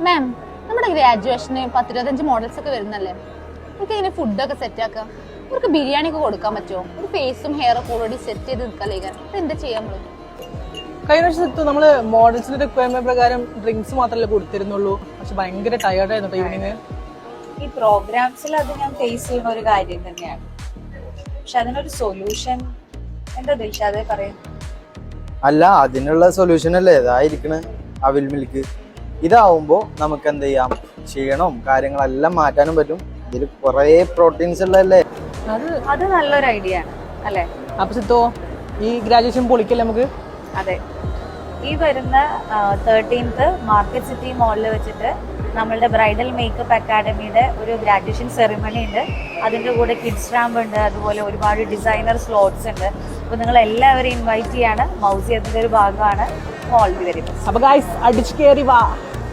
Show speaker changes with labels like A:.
A: മാം, നമ്മുടെ ഗ്രാജുവേഷന് 10-25 മോഡൽസ് ഒക്കെ വരുന്നല്ലേ, നമുക്ക് ഇങ്ങനെ ഫുഡൊക്കെ സെറ്റ് ആക്കാം. അവർക്ക് ബിരിയാണി ഒക്കെ കൊടുക്കാൻ പറ്റുമോ? ഒരു ഫേസും ഹെയർ ഒക്കെ ഓൾറെഡി സെറ്റ് ചെയ്ത് നിൽക്കാലേക്കാൻ എന്താ ചെയ്യാൻ നമ്മള്?
B: കഴിഞ്ഞ വർഷത്ത് നമ്മള് മോഡൽസിന്റെ റിക്വയർമെന്റ് പ്രകാരം ഡ്രിങ്ക്സ് മാത്രമല്ലേ കൊടുത്തിരുന്നുള്ളൂ. പക്ഷെ ഭയങ്കര ടയർഡ് ആയിരുന്നു ഈവനിങ്.
C: ഈ പ്രോഗ്രാംസിൽ അത് ഞാൻ ഫേസ് ചെയ്യുന്ന ഒരു കാര്യം തന്നെയാണ്. പക്ഷെ അതിനൊരു സൊല്യൂഷൻ എന്താ ദിൽഷാദേ പറയും?
D: അല്ല, അതിനുള്ള സൊല്യൂഷൻ അല്ലേ ഇതായിരിക്കണ അവിൽ മിൽക്ക്. ഇതാവുമ്പോ നമുക്ക് എന്ത് ചെയ്യാം, ക്ഷീണവും കാര്യങ്ങളെല്ലാം മാറ്റാനും പറ്റും. ഇതിൽ കുറെ പ്രോട്ടീൻസ് ഉള്ളതല്ലേ.
C: അത് നല്ലൊരു ഐഡിയ ആണ് അല്ലെ?
B: അപ്പൊ സിത്തോ ഈ ഗ്രാജുവേഷൻ പൊളിക്കല്ലേ നമുക്ക്?
C: അതെ, ഈ വരുന്ന 13th മാർക്കറ്റ് സിറ്റി മോളിൽ വെച്ചിട്ട് നമ്മളുടെ ബ്രൈഡൽ മേക്കപ്പ് അക്കാഡമിയുടെ ഒരു ഗ്രാജുവേഷൻ സെറിമണി ഉണ്ട്. അതിൻ്റെ കൂടെ കിഡ്സ് റാമ്പ് ഉണ്ട്, അതുപോലെ ഒരുപാട് ഡിസൈനർ സ്ലോട്ട്സ് ഉണ്ട്. അപ്പോൾ നിങ്ങൾ എല്ലാവരെയും ഇൻവൈറ്റ് ചെയ്യാണ്. മൗസി അതിൻ്റെ ഒരു ഭാഗമാണ് മോളിൽ വരുന്നത്.
B: അപ്പൊ ഗൈസ് അടിച്ചു കയറി വാ.